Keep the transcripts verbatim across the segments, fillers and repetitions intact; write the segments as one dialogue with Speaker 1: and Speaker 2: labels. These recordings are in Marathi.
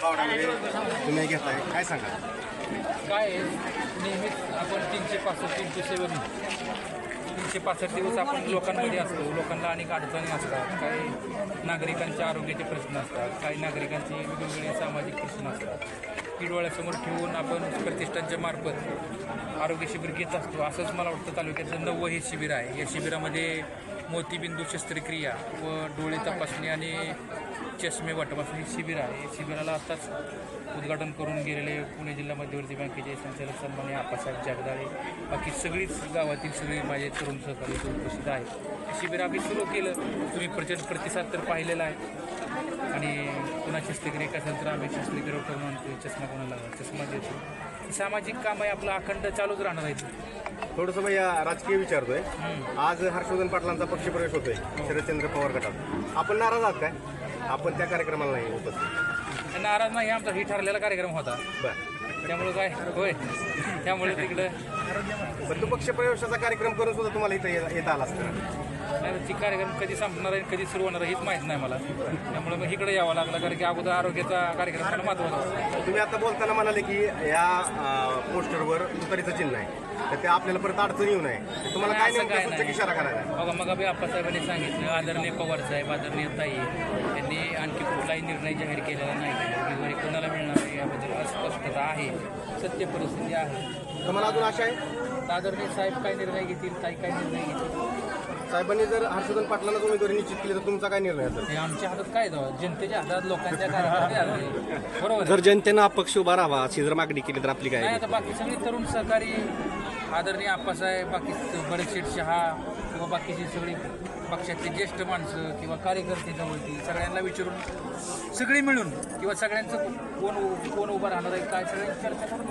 Speaker 1: पावडामध्ये तुम्ही घेताय, काय सांगा?
Speaker 2: काय आहे, नेहमीच आपण तीनशे पासष्ट तीनशे सेवन तीनशे पासष्ट दिवस आपण लोकांमध्ये असतो. लोकांना अनेक अडचणी असतात, काही नागरिकांच्या आरोग्याचे प्रश्न असतात, काही नागरिकांचे वेगवेगळे सामाजिक प्रश्न असतात. ही डोळ्यासमोर ठेवून आपण प्रतिष्ठानच्या मार्फत आरोग्य शिबिर घेत असतो. असंच मला वाटतं तालुक्याचं नववं हे शिबिर आहे. या शिबिरामध्ये मोतीबिंदू शस्त्रक्रिया व डोळे तपासणी आणि चष्मे वाटप हे शिबिर आहे. या शिबिराला आताच उद्घाटन करून गेलेले पुणे जिल्हा मध्यवर्ती बँकेचे संचालक सन्माननीय आप्पासाहेब जगदाळे, बाकी सगळीच गावातील सगळे माझे तरुण सहकारी उपस्थित आहेत. शिबिर आम्ही सुरू केलं, तुम्ही प्रचंड प्रतिसाद तर पाहिलेला आहे. आणि पुन्हा शस्त्रक्रिया असेल तर आम्ही शस्त्रक्रिया करून आणतो, चष्मा कोणाला चष्मा देतो. सामाजिक काम आहे आपलं अखंड चालूच राहणार आहे.
Speaker 1: थोडंसं भैया राजकीय विचारतोय. आज हर्षवर्धन पाटलांचा पक्षप्रवेश होतोय शरदचंद्र पवार गटात, आपण नाराज आहात काय? आपण त्या कार्यक्रमाला नाही उपस्थित?
Speaker 2: नाराज नाही, आमचा ही ठरलेला कार्यक्रम होता.
Speaker 1: बरं,
Speaker 2: त्यामुळे काय होय, त्यामुळे तिकडं
Speaker 1: पण तो पक्षप्रवेशाचा कार्यक्रम करून सुद्धा तुम्हाला इथं येता आला असतं.
Speaker 2: नाही, ती कार्यक्रम कधी संपणार आहे कधी सुरू होणार आहे हेच माहीत नाही मला. त्यामुळे मग इकडे यावं लागलं, कारण की अगोदर आरोग्याचा कार्यक्रम मला महत्त्वाचा असतो.
Speaker 1: तुम्ही आता बोलताना म्हणाले की या पोस्टरवर तुतारीचं चिन्ह आहे, तर ते आपल्याला परत अडचण येऊ नये. तुम्हाला काय नेमकं सूचक इशारा करायचा?
Speaker 2: बघा, मग अभि आप्पासाहेबांनी सांगितलं, आदरणीय पवार साहेब, आदरणीय ताई यांनी आणखी कुठलाही निर्णय जाहीर केलेला नाही. उमेदवारी कोणाला मिळणार आहे याबद्दल अस्पष्टता आहे, सत्य परिस्थिती आहे.
Speaker 1: तुम्हाला अजून आशा आहे?
Speaker 2: आदरणीय साहेब काय निर्णय घेतील, ताई काय निर्णय घेतील.
Speaker 1: साहेबांनी जर हर्षवर्धन पाटलांना उमेदवारी निश्चित केली तर तुमचा काय निर्णय असेल?
Speaker 2: हे आमच्या हातात काय जावं, जनतेच्या हातात, लोकांच्या हातात. बरोबर
Speaker 3: जर जनतेनं अपक्ष उभा राहावा अशी जर मागणी केली तर आपली काय?
Speaker 2: नाही, आता बाकी सगळी तरुण सहकारी, आदरणीय आप्पासाहेब, बाकी बडशेठ शहा किंवा बाकीची सगळी पक्षातली ज्येष्ठ माणसं किंवा कार्यकर्ते जवळती सगळ्यांना विचारून सगळी मिळून किंवा सगळ्यांचं कोण कोण उभं राहणार आहे काय सगळ्यांची चर्चा करून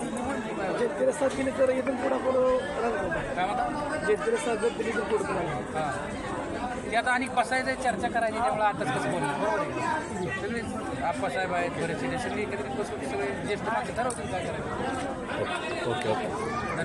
Speaker 2: काय म्हणता हां ते आता आणि बसायचं चर्चा करायची, त्यामुळे आताच कसं बोलणार. बरोबर आहे, सगळी आप्पासाहेब आहेत, बरेचसे सगळी एकत्रित बसून सगळे ज्येष्ठ माणसं ठरवतील काय करायचं.
Speaker 3: Okay okay